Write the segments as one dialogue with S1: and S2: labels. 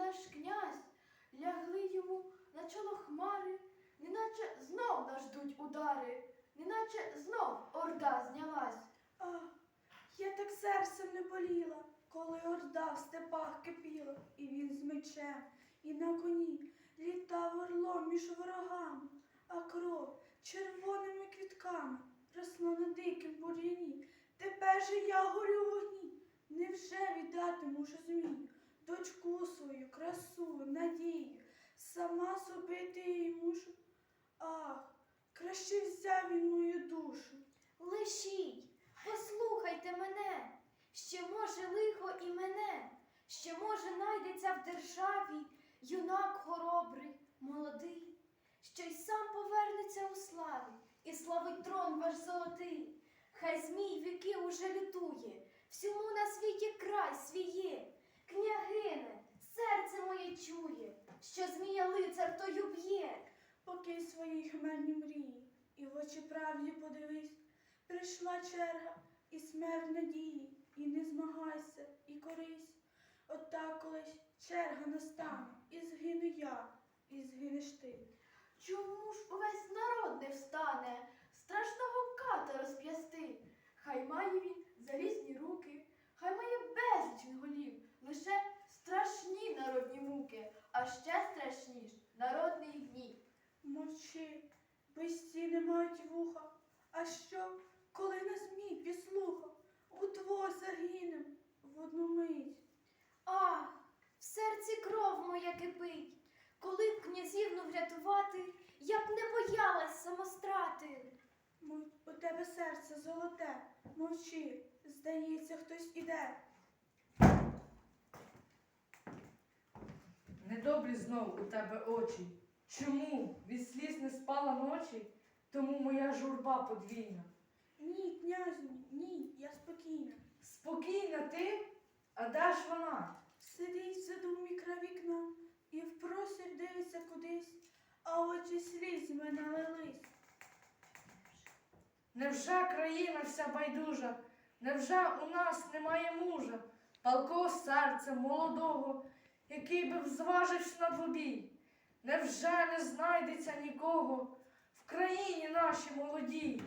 S1: наш князь, лягли йому на чоло хмари, неначе знов нас ждуть удари, неначе знов орда знялась.
S2: Ах, я так серцем не боліла, коли орда в степах кипіла, і він з мечем, і на коні літав орлом між ворогами, а кров червоними квітками росла на дикім бур'яні. Тепер же я горю в вогні. Невже віддати мушу змію, дочку свою, красу, надію, сама собити її мушу? Ах, краще взяв він мою душу.
S1: Лишіть, послухайте мене, ще може лихо і мене, ще може найдеться в державі юнак хоробрий, молодий, що й сам повернеться у славі і славить трон ваш золотий. Хай змій віки уже лютує, всьому на світі край свіє. Княгине, серце моє чує, що змія лицар тою б'є.
S2: Покинь свої хмельні мрії, і в очі правді подивись. Прийшла черга і смерть надії, і не змагайся, і корись. Отак колись черга настане, і згину я, і згинеш ти.
S1: Чому ж увесь народ не встане страшного ката розп'ясти? Хай має він залізні руки, хай має безліч він голів, лише страшні народні муки, а ще страшніш народний гнів.
S2: Мовчи, безці не мають вуха. А що, коли на змій підслухав, удвох загинем в одну мить.
S1: Ах, в серці кров моя кипить, коли б князівну врятувати, я б не боялась самострати.
S2: У тебе серце золоте, мовчи, здається, хтось іде.
S3: Недобрі знов у тебе очі. Чому від сліз не спала ночі? Тому моя журба подвійна.
S2: Ні, князю, ні, я спокійна.
S3: Спокійна ти? А де ж вона?
S2: Сидить в саду в мікро вікна і впросір дивиться кудись, а очі слізьми налились.
S3: Невже країна вся байдужа? Невже у нас немає мужа, палкого серця, молодого, який би зважився на двобій? Невже не знайдеться нікого в країні нашій молодій?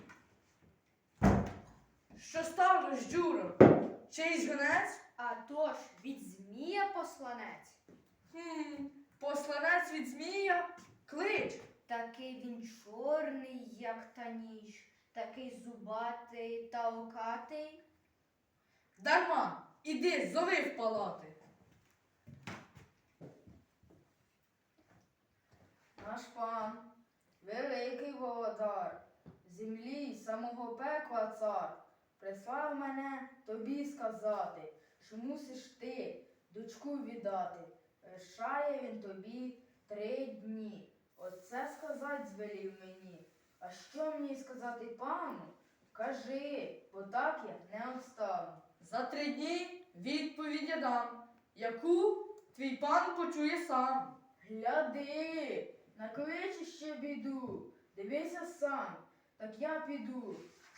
S3: Що сталося, Джуро? Чийсь гонець?
S4: А тож від змія посланець.
S3: Посланець від змія? Клич!
S4: Такий він чорний, як та ніч, такий зубатий та окатий.
S3: Дарма, іди, зови в палати.
S5: Наш пан, великий володар, землі й самого пекла цар, прислав мене тобі сказати, що мусиш ти дочку віддати. Лишає він тобі 3 дні. Оце сказать звелів мені. А що мені сказати пану? Кажи, бо так я не обстану.
S3: За 3 дні відповідь я дам, яку твій пан почує сам.
S5: Гляди, накличе ще біду, дивися сам, так я піду.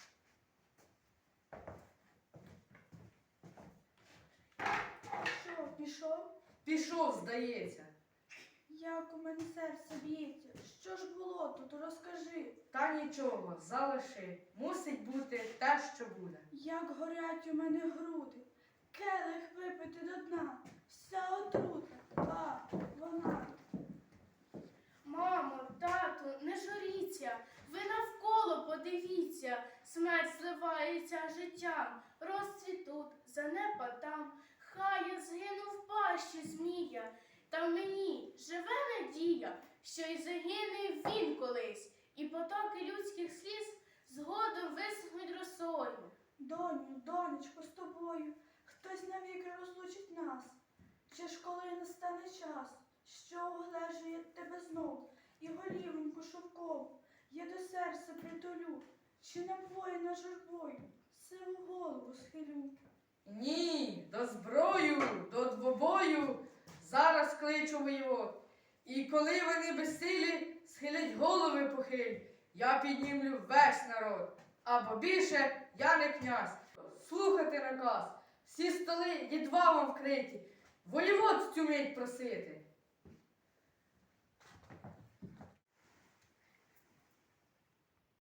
S2: Що, пішов?
S3: Пішов, здається.
S2: Як у мене серце б'ється? Що ж було тут? Розкажи.
S3: Та нічого, залиши. Мусить бути те, що буде.
S2: Як горять у мене груди, келих випити до дна, вся отрута, а вона.
S6: Мамо, тату, не журіться, ви навколо подивіться, смерть зливається життям, розцвіт тут, занепад там, хай я згину в пащі змія, та в мені живе надія, що й загине він колись, і потоки людських сліз згодом висохнуть росою.
S2: Доню, донечко, з тобою хтось навіки розлучить нас. Чи ж коли настане час, що оглежує тебе знов, і голівоньку шовкову я до серця притулю, чи напоїна журбою сиву голову схилю.
S3: Ні, до зброю, до двобою зараз кличу воєвод. І коли вони безсилі схилять голови похиль, я піднімлю весь народ. Або більше я не князь. Слухати наказ. Всі столи єдва вам вкриті.
S5: Волівод цю мить просити.